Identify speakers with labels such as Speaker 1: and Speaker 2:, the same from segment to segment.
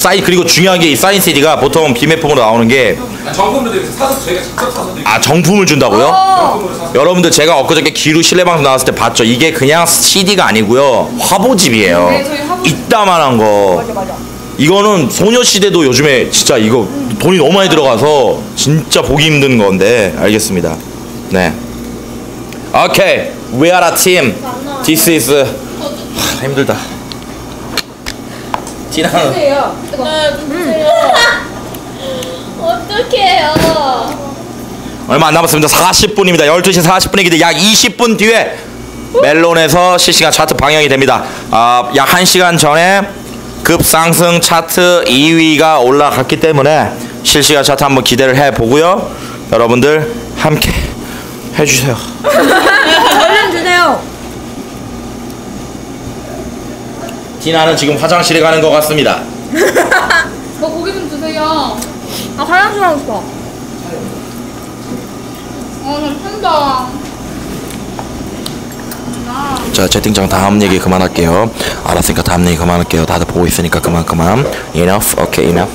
Speaker 1: 사인 그리고 중요한 게 이 사인 CD가 보통 비매품으로 나오는 게
Speaker 2: 정품으로 되어 사서 저희가 직접 사서 드리고.
Speaker 1: 아 정품을 준다고요? 여러분들 제가 엊그저께 기루 실내방송 나왔을 때 봤죠? 이게 그냥 CD가 아니고요 화보집이에요.
Speaker 3: 네, 저희 화보집.
Speaker 1: 이따만한 거.
Speaker 3: 맞아.
Speaker 1: 이거는 소녀시대도 요즘에 진짜 이거 돈이 너무 많이 들어가서 진짜 보기 힘든 건데 알겠습니다. 네. 오케이. We are a team. This is 힘들다. 지나는
Speaker 3: 주세요.
Speaker 4: 어떡해요.
Speaker 1: 얼마 안 남았습니다. 40분입니다. 12시 40분이기 때문에 약 20분 뒤에 멜론에서 실시간 차트 방영이 됩니다. 약 1시간 전에 급상승 차트 2위가 올라갔기 때문에 실시간 차트 한번 기대를 해보고요. 여러분들 함께 해주세요.
Speaker 3: 얼른 주세요.
Speaker 1: 디나는 지금 화장실에 가는 것 같습니다.
Speaker 4: 저 고기 좀 주세요.
Speaker 3: 나 화장실 하고 싶어.
Speaker 4: 괜찮다.
Speaker 1: 자 채팅창 다음 얘기 그만할게요. 알았으니까 다음 얘기 그만할게요. 다들 보고 있으니까 그만. Enough. Okay, enough.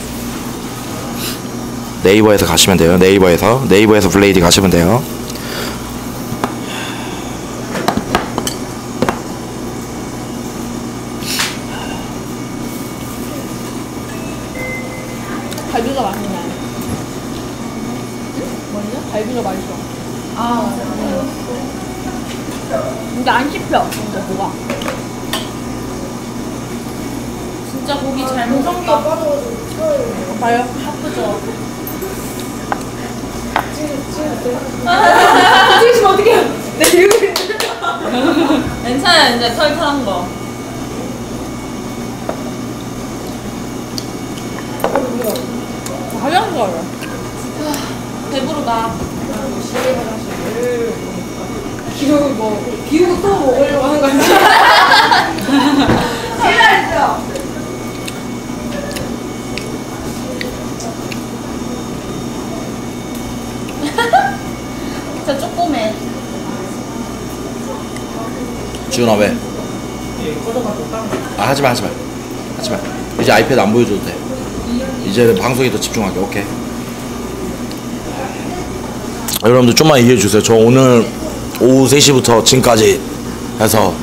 Speaker 1: 네이버에서 가시면 돼요. 네이버에서 블레이드 가시면 돼요.
Speaker 3: 갈비가 맛있네. 뭐냐? 갈비가 맛있어. 아, 맞아. 근데 안 씹혀. 진짜 뭐가.
Speaker 4: 진짜 고기 잘 먹었다.
Speaker 3: 봐요.
Speaker 4: 바쁘죠?
Speaker 3: 찍으시면 어떡해요? 내 얼굴.
Speaker 4: 괜찮아요. 이제 털털한 거.
Speaker 3: 화장실 가요.
Speaker 4: 배부르다.
Speaker 3: 비우고 또 먹으려고 하는 거 아니야? 싫어했어.
Speaker 4: 진짜 쪼꼬매.
Speaker 1: 지훈아 왜? 하지마. 이제 아이패드 안 보여줘도 돼. 이제는 방송에 더 집중하게. 오케이. 여러분들 좀만 이해해주세요. 저 오늘 오후 3시부터 지금까지 해서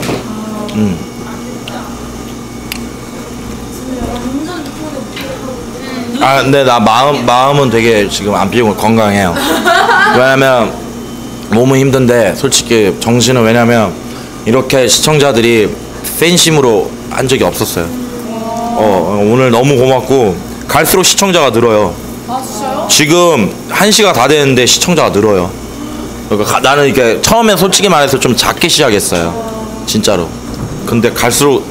Speaker 1: 근데 나 마음은 되게 지금 안 피고 건강해요. 왜냐면 몸은 힘든데 솔직히 정신은 왜냐면 이렇게 시청자들이 팬심으로 한 적이 없었어요. 오늘 너무 고맙고 갈수록 시청자가 늘어요.
Speaker 4: 아, 진짜요?
Speaker 1: 지금 1시가 다 됐는데 시청자가 늘어요. 그러니까 나는 이렇게 처음엔 솔직히 말해서 좀 작게 시작했어요. 진짜로. 근데 갈수록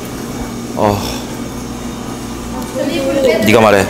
Speaker 1: 네가 말해.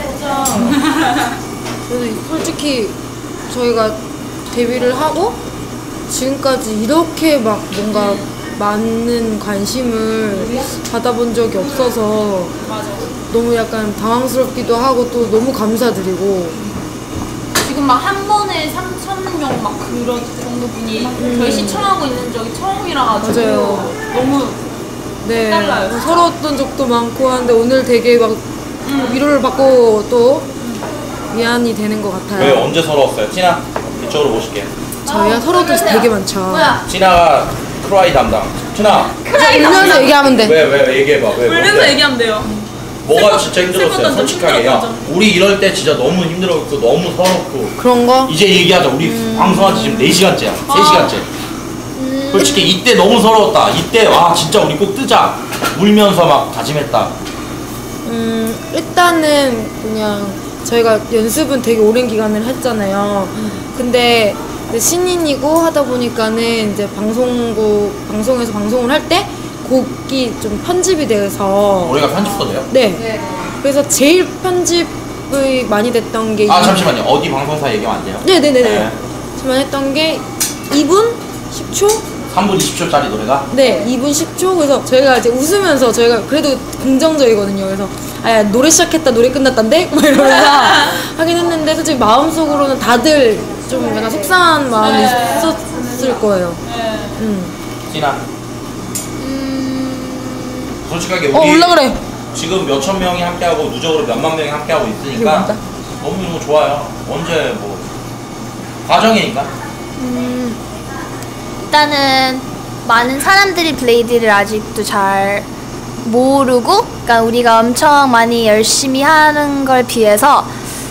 Speaker 5: 그래서 솔직히 저희가 데뷔를 하고 지금까지 이렇게 막 뭔가 많은 관심을 받아본 적이 없어서 너무 약간 당황스럽기도 하고 또 너무 감사드리고
Speaker 4: 지금 막 한 번에 3,000명 막 그런 정도 분이 저희 시청하고 있는 적이 처음이라 가지고
Speaker 5: 맞아요.
Speaker 4: 너무
Speaker 5: 네
Speaker 4: 달라요.
Speaker 5: 서러웠던 적도 많고 한데 오늘 되게 막 위로를 받고 또 위안이 되는 것 같아요.
Speaker 1: 왜 언제 서러웠어요? 티나 이쪽으로 모실게.
Speaker 5: 저희가 서러웠던 적 되게 많죠.
Speaker 4: 뭐야?
Speaker 1: 티나가 크라이 담당. 티나
Speaker 5: 울면서 얘기하면 돼.
Speaker 1: 왜 얘기해봐. 왜
Speaker 4: 울면서
Speaker 1: 뭔데?
Speaker 4: 얘기하면 돼요.
Speaker 1: 뭐가 진짜 힘들었어요?
Speaker 4: 슬펐던 점,
Speaker 1: 솔직하게. 야
Speaker 4: 힘들었던
Speaker 1: 우리 이럴 때 진짜 너무 힘들었고 너무 서럽고
Speaker 5: 그런 거?
Speaker 1: 이제 얘기하자. 우리 방송한 지 지금 4시간째야. 3시간째. 솔직히 이때 너무 서러웠다. 이때 와 진짜 우리 꼭 뜨자. 울면서 막 다짐했다.
Speaker 5: 일단은 그냥 저희가 연습은 되게 오랜 기간을 했잖아요. 근데 이제 신인이고 하다 보니까는 이제 방송에서 방송을 할 때 곡이 좀 편집이 돼서
Speaker 1: 우리가 편집도 돼요?
Speaker 5: 네. 그래서 제일 편집이 많이 됐던 게
Speaker 1: 잠시만요. 어디 방송사 얘기하면 안 돼요?
Speaker 5: 네네네네.
Speaker 1: 네.
Speaker 5: 저만 했던 게 2분 10초?
Speaker 1: 3분 20초짜리 노래가?
Speaker 5: 네, 2분 10초. 그래서 저희가 이제 웃으면서 저희가 그래도 긍정적이거든요. 그래서 노래 시작했다, 노래 끝났단데? 막 이러면서 하긴 했는데 솔직히 마음속으로는 다들 좀 약간 속상한 마음이 있었을 거예요.
Speaker 1: 티나 솔직하게 우리
Speaker 5: 올라 그래.
Speaker 1: 지금 몇천 명이 함께하고 누적으로 몇만 명이 함께하고 있으니까 너무 좋아요. 언제 뭐 과정이니까.
Speaker 6: 일단은 많은 사람들이 블레이드를 아직도 잘 모르고, 그러니까 우리가 엄청 많이 열심히 하는 걸 비해서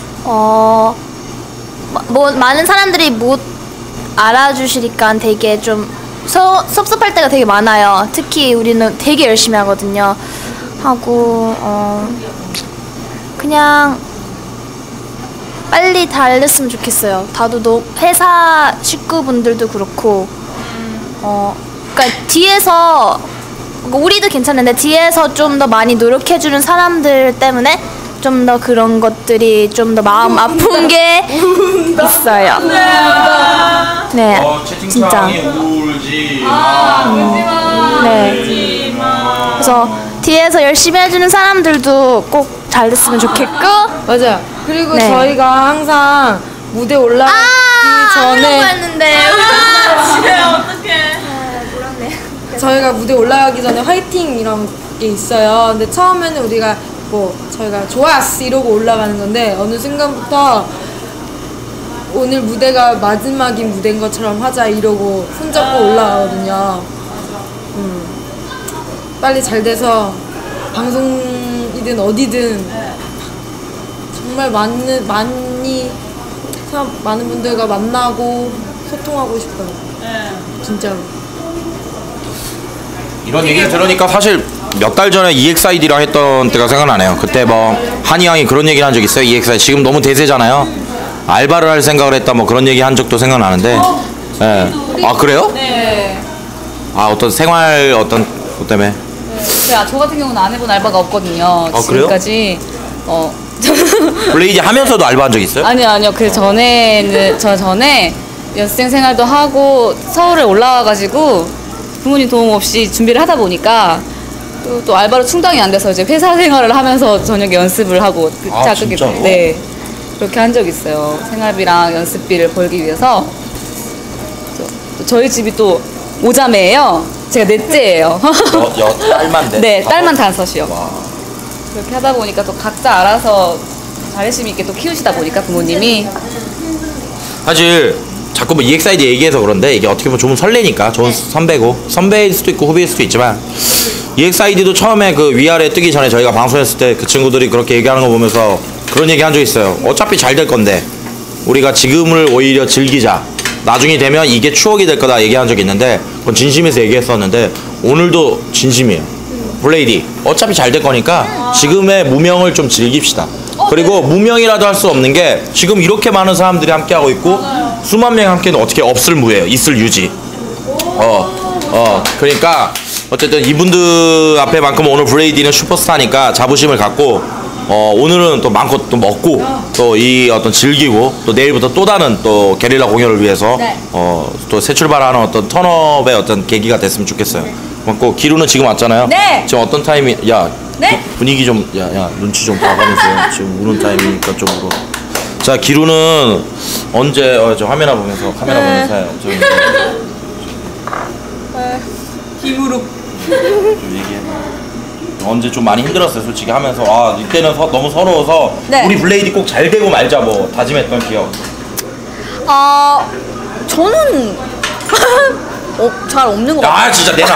Speaker 6: 뭐 많은 사람들이 못 알아주시니까 되게 좀 섭섭할 때가 되게 많아요. 특히 우리는 되게 열심히 하거든요. 하고 그냥 빨리 달렸으면 좋겠어요. 다들 회사 식구분들도 그렇고 그러니까 뒤에서 우리도 괜찮은데 뒤에서 좀 더 많이 노력해주는 사람들 때문에 좀 더 그런 것들이 좀 더 마음 아픈 게 있어요. 네, 진짜.
Speaker 1: 채팅창이 울지
Speaker 6: 네. 그래서 뒤에서 열심히 해주는 사람들도 꼭 잘 됐으면 좋겠고.
Speaker 5: 맞아요. 그리고
Speaker 6: 네.
Speaker 5: 저희가 항상 무대 올라가기 전에
Speaker 6: 했는데.
Speaker 5: 저희가 무대 올라가기 전에 화이팅 이런 게 있어요. 근데 처음에는 우리가 뭐 저희가 좋았어 이러고 올라가는 건데 어느 순간부터 오늘 무대가 마지막인 무대인 것처럼 하자 이러고 손잡고 올라가거든요. 빨리 잘 돼서 방송이든 어디든 정말 많은 분들과 만나고 소통하고 싶어요. 진짜로.
Speaker 1: 이런 얘기를 들으니까 사실 몇 달 전에 EXID랑 했던 때가 생각나네요. 그때 뭐 한이 형이 그런 얘기를 한 적 있어요. EXID 지금 너무 대세잖아요. 알바를 할 생각을 했다 뭐 그런 얘기 한 적도 생각나는데. 네. 아 그래요?
Speaker 3: 네.
Speaker 1: 아 어떤 생활 어떤 것 때문에?
Speaker 3: 저 같은 경우는 안 해본 알바가 없거든요.
Speaker 1: 아, 그래요?
Speaker 3: 지금까지.
Speaker 1: 블레이드 하면서도 알바한 적 있어요?
Speaker 3: 아니요. 그 전에는 저 전에 연습생 생활도 하고 서울에 올라와가지고 부모님 도움 없이 준비를 하다 보니까 또 알바로 충당이 안 돼서 이제 회사 생활을 하면서 저녁에 연습을 하고
Speaker 1: 아, 진짜로?
Speaker 3: 네, 그렇게 한 적 있어요. 생활비랑 연습비를 벌기 위해서. 또 저희 집이 또 5자매예요. 제가 넷째예요.
Speaker 1: 딸만데?
Speaker 3: 네, 딸만 5이요. 그렇게 하다 보니까 또 각자 알아서 자립심 있게 또 키우시다 보니까 부모님이.
Speaker 1: 사실 자꾸 뭐 EXID 얘기해서 그런데 이게 어떻게 보면 좀 설레니까 좋은 선배고 선배일 수도 있고 후배일 수도 있지만 EXID도 처음에 그 위아래 뜨기 전에 저희가 방송했을 때 그 친구들이 그렇게 얘기하는 거 보면서 그런 얘기 한 적 있어요. 어차피 잘 될 건데 우리가 지금을 오히려 즐기자. 나중에 되면 이게 추억이 될 거다 얘기한 적이 있는데 그건 진심에서 얘기했었는데 오늘도 진심이에요. 블레이디 어차피 잘 될 거니까 지금의 무명을 좀 즐깁시다. 그리고 무명이라도 할 수 없는 게 지금 이렇게 많은 사람들이 함께하고 있고 수만 명이 함께는 어떻게 없을 무예요. 있을 유지. 그러니까 어쨌든 이분들 앞에만큼 오늘 블레이디는 슈퍼스타니까 자부심을 갖고 오늘은 또 많고 또 먹고 또 이 어떤 즐기고 또 내일부터 또 다른 또 게릴라 공연을 위해서 또 새 출발하는 어떤 턴업의 어떤 계기가 됐으면 좋겠어요. 고맙고 기루는 지금 왔잖아요.
Speaker 3: 네.
Speaker 1: 지금 어떤 타이밍? 야
Speaker 3: 네?
Speaker 1: 분위기 좀 야 눈치 좀 봐가면서 지금 우는 타이밍이니까 좀 울어. 자 기루는 언제 저 화면을 보면서 카메라 보면서 해요. 좀
Speaker 3: 김우룩.
Speaker 1: 얘기해. 언제 좀 많이 힘들었어요 솔직히 하면서 아 이때는 너무 서러워서
Speaker 3: 네.
Speaker 1: 우리 블레이디 꼭 잘 되고 말자 뭐 다짐했던 기억.
Speaker 6: 저는 잘 없는 것 같아요.
Speaker 1: 아 진짜 내놔.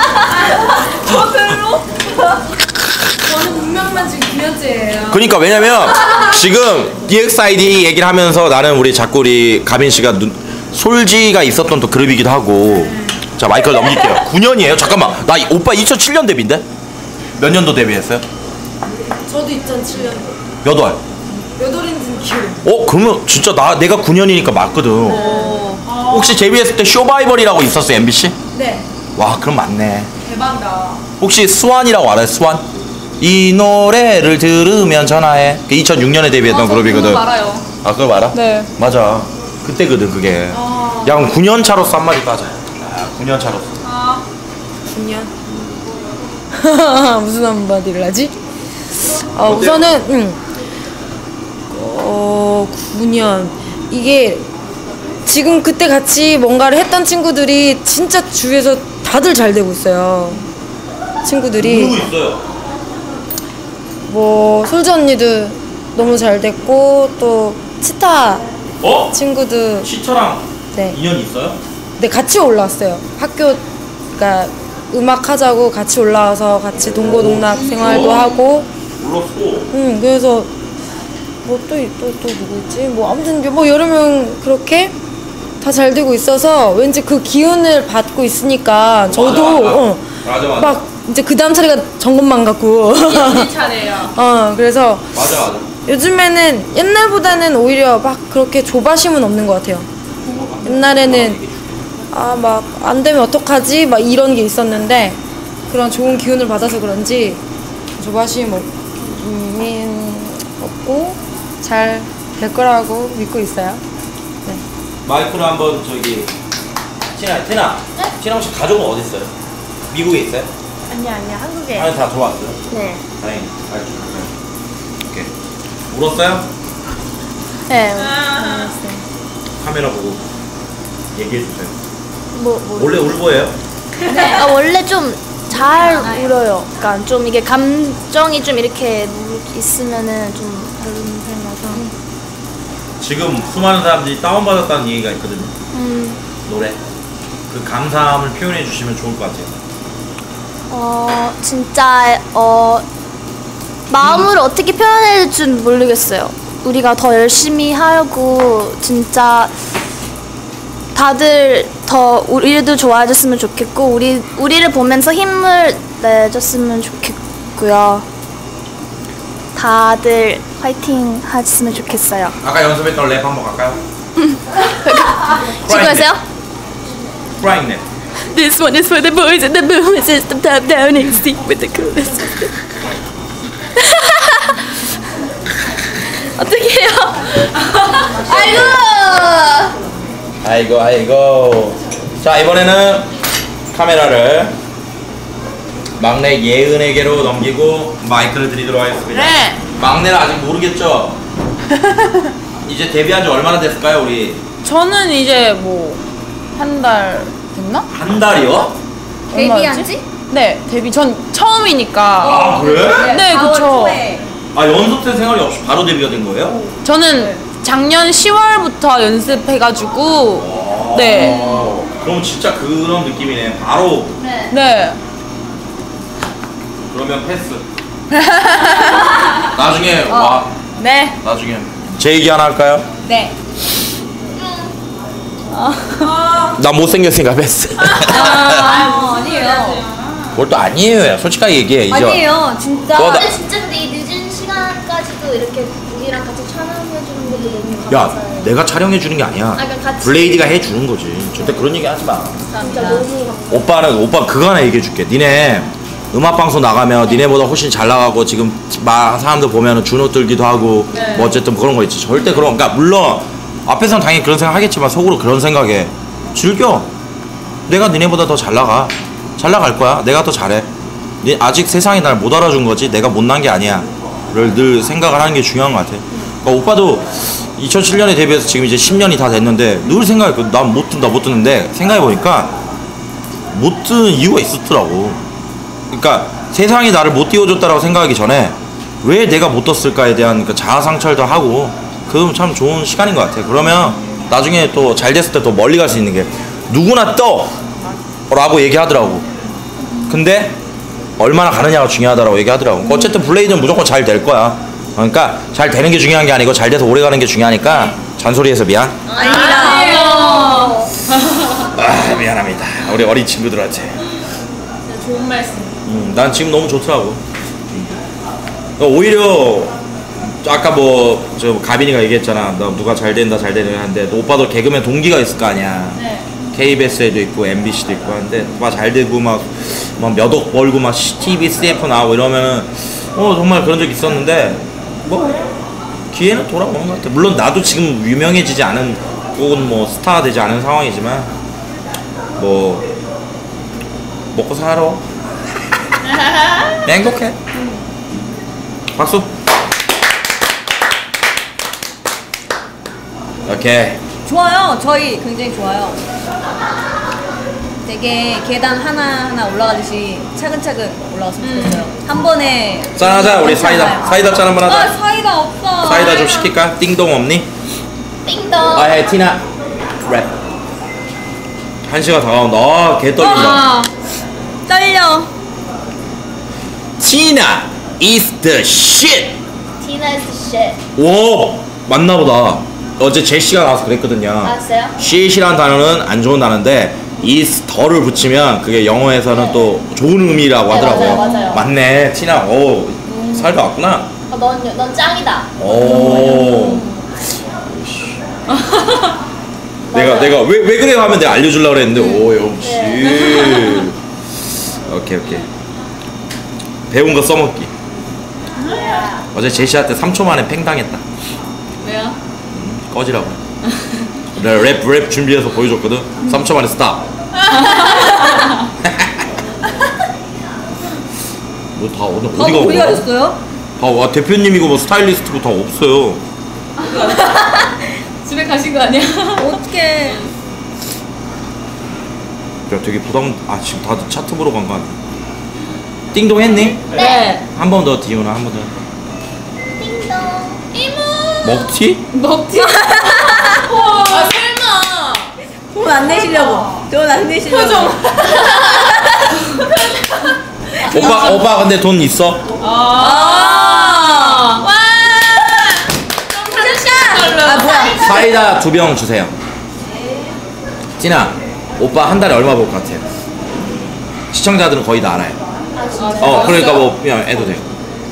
Speaker 5: 저는 분명만 지금 9년째예요.
Speaker 1: 그러니까 왜냐면 지금 EXID 얘기를 하면서 나는 우리 자꾸 우리 가빈 씨가 솔지가 있었던 또 그룹이기도 하고. 자 마이크를 넘길게요. 9년이에요? 잠깐만 나 오빠 2007년 데뷔인데? 몇 년도 데뷔했어요?
Speaker 5: 저도 2007년
Speaker 1: 몇 월?
Speaker 5: 몇 월인지는 기억.
Speaker 1: 그러면 진짜 내가 9년이니까 맞거든. 혹시 데뷔했을 때 쇼바이벌이라고 있었어요 MBC?
Speaker 5: 네.
Speaker 1: 와 그럼 맞네.
Speaker 5: 대박이다.
Speaker 1: 혹시 스완이라고 알아요? 스완? 이 노래를 들으면 전화해. 그 2006년에 데뷔했던 그룹이거든.
Speaker 3: 알아요.
Speaker 1: 아 그걸 알아?
Speaker 3: 네.
Speaker 1: 맞아. 그때거든 그게. 야 그럼 9년 차로서 한마디 따자. 9년 차로서.
Speaker 5: 9년. 무슨 한마디를 하지? 우선은 9년 이게 지금 그때 같이 뭔가를 했던 친구들이 진짜 주위에서 다들 잘 되고 있어요. 친구들이
Speaker 1: 누구 있어요?
Speaker 5: 뭐 솔지 언니도 너무 잘 됐고 또 치타
Speaker 1: 어?
Speaker 5: 친구도
Speaker 1: 시터랑
Speaker 5: 네.
Speaker 1: 인연 있어요?
Speaker 5: 네 같이 올라왔어요. 학교 그러니까 음악 하자고 같이 올라와서 같이 동고동락 생활도 하고.
Speaker 1: 몰랐어.
Speaker 5: 그래서 뭐 또 누구 있지? 뭐 아무튼 뭐 여러 명 그렇게 다 잘 되고 있어서 왠지 그 기운을 받고 있으니까 저도
Speaker 1: 맞아.
Speaker 5: 막 이제 그 다음 차례가 점검만 같고.
Speaker 4: 우리 차례예요.
Speaker 5: 그래서
Speaker 1: 맞아.
Speaker 5: 요즘에는 옛날보다는 오히려 막 그렇게 조바심은 없는 것 같아요. 옛날에는 막 안 되면 어떡하지? 막 이런 게 있었는데 그런 좋은 기운을 받아서 그런지 조바심 없고 잘 될 거라고 믿고 있어요. 네.
Speaker 1: 마이크로 한번 저기 티나 혹시 가족은 어디 있어요? 미국에 있어요?
Speaker 5: 아니야 한국에.
Speaker 1: 아니 다 들어왔어요?
Speaker 5: 네.
Speaker 1: 다행히 오케이. 울었어요?
Speaker 6: 네.
Speaker 1: 카메라 보고 얘기해 주세요.
Speaker 6: 뭐.
Speaker 1: 원래 울보예요?
Speaker 6: 원래 좀 잘 울어요. 그러니까 좀 이게 감정이 좀 이렇게 있으면은 좀 다른 편이라서.
Speaker 1: 지금 수많은 사람들이 다운받았다는 얘기가 있거든요. 노래. 그 감사함을 표현해 주시면 좋을 것 같아요.
Speaker 6: 진짜 마음으로 어떻게 표현해야 될지 모르겠어요. 우리가 더 열심히 하고 진짜 다들 더 우리도 좋아해줬으면 좋겠고 우리를 보면서 힘을 내줬으면 좋겠고요. 다들 화이팅 하셨으면 좋겠어요.
Speaker 1: 아까 연습했던 랩 한번 갈까요?
Speaker 6: 지금 하세요?
Speaker 1: Crying 랩.
Speaker 6: This one is for the boys and the boys is the top down and stick with the coolest. 어떻게 해요?
Speaker 1: 아이고. 자, 이번에는 카메라를 막내 예은에게로 넘기고 마이크를 드리도록 하겠습니다.
Speaker 5: 네.
Speaker 1: 막내는 아직 모르겠죠? 이제 데뷔한 지 얼마나 됐을까요, 우리?
Speaker 5: 저는 이제 뭐 한 달 됐나?
Speaker 1: 한 달이요?
Speaker 3: 데뷔한 지?
Speaker 5: 네, 데뷔 전 처음이니까.
Speaker 1: 아, 그래?
Speaker 5: 네, 그쵸.
Speaker 1: 아, 연습생 생활이 없이 바로 데뷔가 된 거예요?
Speaker 5: 저는 작년 10월부터 연습해가지고 네.
Speaker 1: 그럼 진짜 그런 느낌이네. 바로.
Speaker 5: 네.
Speaker 1: 그러면 패스. 나중에
Speaker 5: 네.
Speaker 1: 나중에 제 얘기 하나 할까요?
Speaker 3: 네.
Speaker 1: 나 못생겼으니까 패스.
Speaker 3: 아니에요.
Speaker 1: 뭘 또 아니에요. 솔직하게 얘기해. 이제.
Speaker 3: 아니에요. 진짜.
Speaker 6: 근데 진짜 근데 이 늦은 시간까지도 이렇게 우리랑 같이 촬영해주는 것도 너무
Speaker 1: 야,
Speaker 6: 감사해요.
Speaker 1: 내가 촬영해 주는 게 아니야.
Speaker 6: 그러니까 같이.
Speaker 1: 블레이드가 해 주는 거지. 절대 그런 얘기 하지 마.
Speaker 6: 진짜 너무 감사해요.
Speaker 1: 오빠 그거 하나 얘기해 줄게. 니네 음악 방송 나가면 니네보다 훨씬 잘 나가고 지금 막 사람들 보면은 준호 들기도 하고 뭐 어쨌든 그런 거 있지. 절대 그런. 그러니까 물론 앞에서는 당연히 그런 생각 하겠지만 속으로 그런 생각해. 즐겨. 내가 니네보다 더 잘 나가. 잘 나갈 거야. 내가 더 잘해. 아직 세상이 날 못 알아준 거지 내가 못난 게 아니야. 를 늘 생각을 하는 게 중요한 것 같아. 그러니까 오빠도 2007년에 데뷔해서 지금 이제 10년이 다 됐는데 늘 생각해. 난 못 듣는데 생각해보니까 못 듣는 이유가 있었더라고. 그러니까 세상이 나를 못 띄워줬다라고 생각하기 전에 왜 내가 못 떴을까에 대한 그 자아 상찰도 하고 그건 참 좋은 시간인 것 같아. 그러면 나중에 또 잘 됐을 때 또 멀리 갈 수 있는 게 누구나 떠! 라고 얘기하더라고. 근데 얼마나 가느냐가 중요하다라고 얘기하더라고. 어쨌든 블레이드는 무조건 잘 될 거야. 그러니까 잘 되는 게 중요한 게 아니고 잘 돼서 오래 가는 게 중요하니까 잔소리해서 미안.
Speaker 3: 아니에요.
Speaker 1: 미안합니다. 우리 어린 친구들한테.
Speaker 4: 좋은 말씀.
Speaker 1: 난 지금 너무 좋더라고. 오히려 아까 뭐 저 가빈이가 얘기했잖아. 나 누가 잘 된다 하는데 오빠도 개그맨 동기가 있을 거 아니야.
Speaker 4: 네.
Speaker 1: KBS에도 있고 MBC도 있고 하는데 막 잘 되고 막 몇 억 벌고 막 TV, CF 나오고 이러면은 정말 그런 적 있었는데 뭐 기회는 돌아오는 것 같아. 물론 나도 지금 유명해지지 않은 혹은 뭐 스타가 되지 않은 상황이지만 뭐 먹고 살아. 행복해. 박수. 오케이.
Speaker 3: 좋아요. 저희 굉장히 좋아요. 되게 계단 하나하나 올라가듯이 차근차근 올라갔으면 좋겠어요. 한 번에
Speaker 1: 짠하자 우리 사이다. 사이다 짠 한번 하자.
Speaker 3: 사이다 없어.
Speaker 1: 사이다 좀 시킬까? 띵동 없니?
Speaker 6: 띵동.
Speaker 1: 아예 티나 랩. 1시가 다가온다. 아, 개 떨린다.
Speaker 3: 떨려.
Speaker 1: 티나 is the shit.
Speaker 6: Tina is the shit.
Speaker 1: 오 맞나보다. 어제 제시가 나와서 그랬거든요.
Speaker 6: 알았어요?
Speaker 1: shit이라는 단어는 안 좋은 단어인데 is 더를 붙이면 그게 영어에서는 또 좋은 의미라고
Speaker 6: 네,
Speaker 1: 하더라고요.
Speaker 6: 맞아요.
Speaker 1: 맞네 티나. 오 살다 왔구나.
Speaker 6: 넌 짱이다.
Speaker 1: 오. 내가 왜 그래 하면 내가 알려주려고 그랬는데 오 역시. 오케이. 배운 거 써먹기. 어제 제시한테 3초 만에 팽 당했다.
Speaker 3: 왜요?
Speaker 1: 꺼지라고. 내가 랩 준비해서 보여줬거든. 3초 만에 스탑. 너 다 오늘 어디가
Speaker 3: 어디
Speaker 1: 오냐?
Speaker 3: 가셨어요?
Speaker 1: 와 대표님이고 뭐 스타일리스트고 다 없어요.
Speaker 3: 집에 가신 거 아니야? 어떡해.
Speaker 1: 야 되게 부담. 아 지금 다들 차트 보러 간 거 아니야? 띵동 했니?
Speaker 3: 네.
Speaker 1: 한 번 더 디우나 한 번 더.
Speaker 6: 띵동. 이모.
Speaker 1: 먹튀?
Speaker 3: 먹지.
Speaker 4: 아 설마.
Speaker 3: 돈 안 내시려고. 돈 안 내시려고. 표정.
Speaker 1: 오빠 근데 돈 있어?
Speaker 3: 아. 와. 아 뭐야?
Speaker 1: 사이다 2병 주세요. 찐아 오빠 한 달에 얼마 벌 것 같아요? 시청자들은 거의 다 알아요. 그러니까 뭐 그냥 해도 돼요.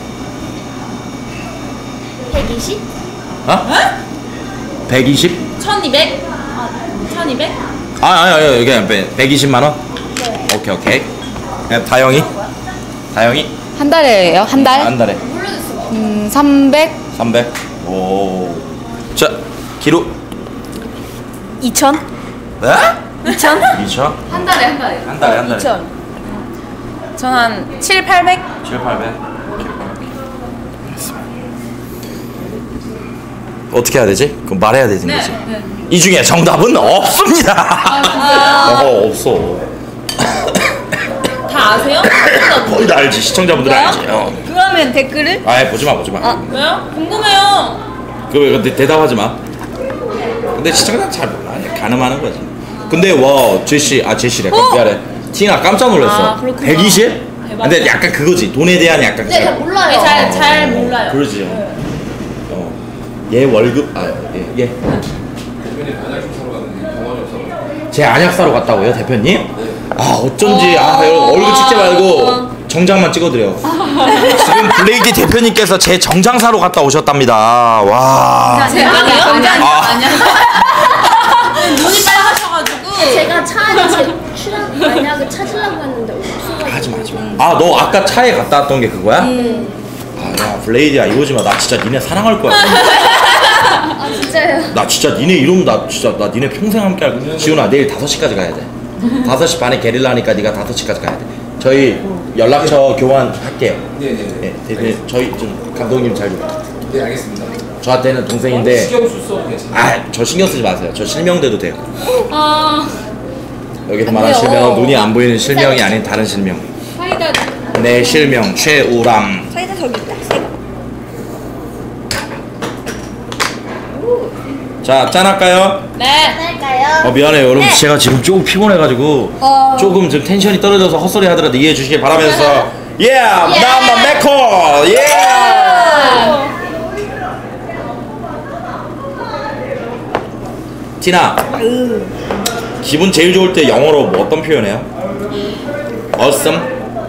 Speaker 6: 120?
Speaker 1: 어? 120?
Speaker 4: 1200? 1200?
Speaker 1: 아니 그냥 120만 원? 오케이. 그냥 다영이?
Speaker 3: 한 달에요? 한 달?
Speaker 1: 한 달에
Speaker 3: 300?
Speaker 1: 300. 오. 자 기루.
Speaker 3: 2천?
Speaker 1: 네?
Speaker 3: 2천?
Speaker 1: 2천?
Speaker 3: 한 달에.
Speaker 1: 한 달에
Speaker 3: 2천.
Speaker 4: 전 한 7, 800?
Speaker 1: 7, 800. 어떻게 해야 되지? 그럼 말해야 되는 거지. 이 중에 정답은 없습니다. 없어.
Speaker 4: 다 아세요?
Speaker 1: 거의 다 알지. 시청자분들 알지.
Speaker 3: 그러면 댓글을?
Speaker 1: 아예 보지 마.
Speaker 4: 왜요? 궁금해요.
Speaker 1: 근데 대답하지 마. 근데 시청자 잘 몰라. 가늠하는 거지. 근데 와 제시래. 미안해. 티나 깜짝 놀랐어. 120? 근데 약간 그거지. 돈에 대한 약간.
Speaker 6: 네, 잘 몰라요.
Speaker 4: 잘 몰라요.
Speaker 1: 그러지. 얘 월급 얘.
Speaker 2: 대표님 안약 좀 사러 갔는데 병원이 없어가지고.
Speaker 1: 제 안약 사러 갔다고요, 대표님? 아 어쩐지 여러분 얼굴 찍지 말고 정장만 찍어드려. 지금 블레이디 대표님께서 제 정장 사러 갔다 오셨답니다. 와.
Speaker 4: 제 아니요?
Speaker 3: 아니야.
Speaker 4: 눈이 빨라셔가지고.
Speaker 6: 제가 차 안에 제 만약에 찾으려고 했는데 없어가지고.
Speaker 1: 하지 마. 너 아까 차에 갔다 왔던 게 그거야? 야 블레이디야 이러지 마. 나 진짜 니네 사랑할 거야.
Speaker 6: 아 진짜요?
Speaker 1: 나 진짜 니네 이러면 나 니네 평생 함께 할 거야. 지훈아 내일 5시까지 가야 돼. 5시 반에 게릴라 하니까 네가 5시까지 가야 돼. 저희 연락처 교환할게요.
Speaker 2: 네네네.
Speaker 1: 대표님 저희 좀 감독님 잘 좀.
Speaker 2: 네 알겠습니다.
Speaker 1: 저한테는 동생인데
Speaker 2: 신경 쓸수 괜찮아요.
Speaker 1: 저 신경 쓰지 마세요. 저 실명돼도 돼요.
Speaker 3: 아.
Speaker 1: 여기서 말하는 실명은 눈이 안 보이는 실명이 아닌 다른 실명.
Speaker 3: 사이다.
Speaker 1: 내 실명 최우람.
Speaker 3: 사이다 저기 있다.
Speaker 1: 자 짠할까요?
Speaker 4: 네.
Speaker 6: 할까요?
Speaker 1: 미안해요 여러분. 제가 지금 조금 피곤해가지고 조금 좀 텐션이 떨어져서 헛소리 하더라도 이해해 주시길 바라면서 나마 메코 티나 기분 제일 좋을 때 영어로 뭐 어떤 표현해요? Awesome?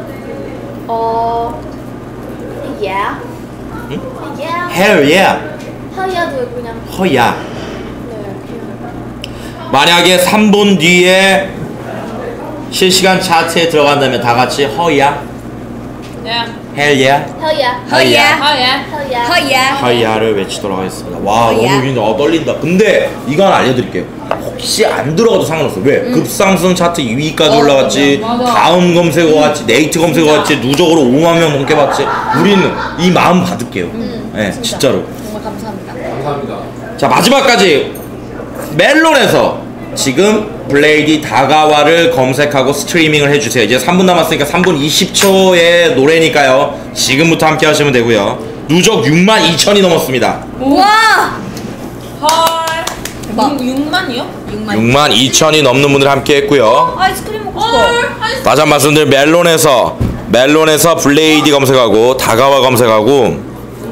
Speaker 6: Yeah.
Speaker 1: 응?
Speaker 6: Yeah.
Speaker 1: Hell yeah.
Speaker 6: 하야도 그냥.
Speaker 1: 허야.
Speaker 6: 네.
Speaker 1: 만약에 3분 뒤에 실시간 차트에 들어간다면 다 같이 허야.
Speaker 4: 네.
Speaker 1: Hell yeah.
Speaker 6: 허야.
Speaker 1: 허야.
Speaker 6: 허야.
Speaker 3: 허야.
Speaker 1: 허야를 외치도록 하겠습니다. 와
Speaker 3: 허야.
Speaker 1: 너무 긴다. 떨린다. 근데 이거 하나 알려드릴게요. 혹시 안 들어가도 상관없어. 왜? 급상승 차트 2위까지 올라갔지.
Speaker 3: 맞아.
Speaker 1: 다음 검색어 왔지. 네이트 검색어 왔지. 누적으로 5만 명 넘게 봤지. 우리는 이 마음 받을게요. 네, 진짜로.
Speaker 3: 정말 감사합니다.
Speaker 2: 감사합니다.
Speaker 1: 자 마지막까지 멜론에서 지금 블레이디 다가와를 검색하고 스트리밍을 해주세요. 이제 3분 남았으니까 3분 20초의 노래니까요. 지금부터 함께 하시면 되고요. 누적 62,000이 넘었습니다.
Speaker 3: 우와!
Speaker 4: 헐. 6만이요?
Speaker 1: 62,000이 넘는 분들 함께 했고요.
Speaker 3: 아이스크림 먹고 싶어.
Speaker 4: 헐. 아이스
Speaker 1: 다시 한 번 말씀드려 멜론에서 블레이디 검색하고 다가와 검색하고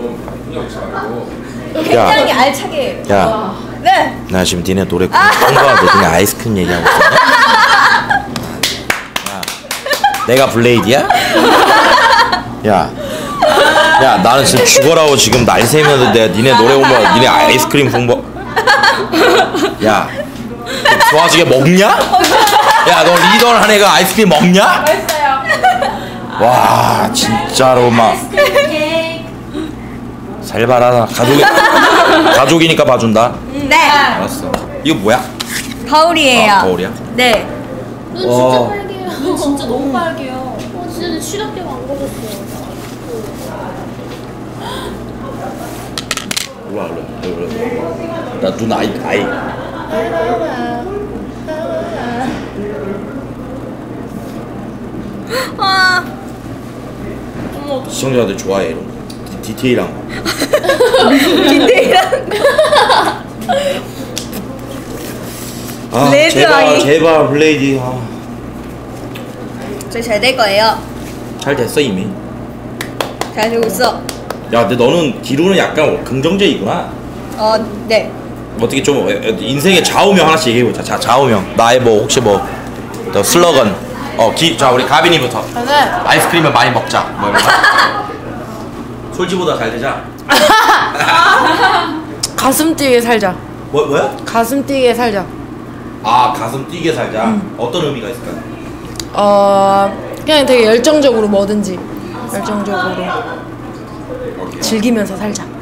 Speaker 3: 굉장히 알차게.
Speaker 1: 야,
Speaker 3: 네.
Speaker 1: 나 지금 니네 노래 홍보하는데 니네 아이스크림 얘기하고 있어. 야, 내가 블레이디야? 야, 나는 지금 죽어라고 지금 날 새면서 내가 니네 노래 오면 니네 아이스크림 홍보. 야, 좋아지게 먹냐? 야, 너 리더를 한 애가 아이스크림 먹냐?
Speaker 4: 맛있어요.
Speaker 1: 와, 진짜로 막 살바라. 가족이니까 봐준다.
Speaker 3: 네.
Speaker 1: 알았어. 이거 뭐야?
Speaker 3: 거울이에요.
Speaker 1: 아, 거울이야?
Speaker 3: 네.
Speaker 4: 눈 진짜 빨개요. 눈 진짜 너무 빨개요. 진짜 시럽대가 안 걸렸어요.
Speaker 1: 일로와. 나 눈 아이.
Speaker 3: 와.
Speaker 1: 시청자들 좋아해 이런 거. 디테일한 거. 아,
Speaker 3: 레드 아이.
Speaker 1: 제발 블레이디.
Speaker 3: 저희 잘 될 거예요.
Speaker 1: 잘 됐어 이미.
Speaker 3: 잘 되고 있어.
Speaker 1: 야, 근데 너는 기로는 약간 긍정적이구나.
Speaker 3: 네.
Speaker 1: 어떻게 좀 인생의 좌우명 하나씩 얘기해보자. 자, 좌우명. 나의 뭐 혹시 뭐 더 슬로건. 자, 우리 가빈이부터.
Speaker 5: 저는
Speaker 1: 아이스크림을 많이 먹자. 뭐 이런 거. 솔지보다 잘 되자.
Speaker 5: 가슴 뛰게 살자.
Speaker 1: 뭐야?
Speaker 5: 가슴 뛰게 살자.
Speaker 1: 아, 가슴 뛰게 살자. 어떤 의미가 있을까?
Speaker 5: 그냥 되게 열정적으로 뭐든지 열정적으로 즐기면서 살자.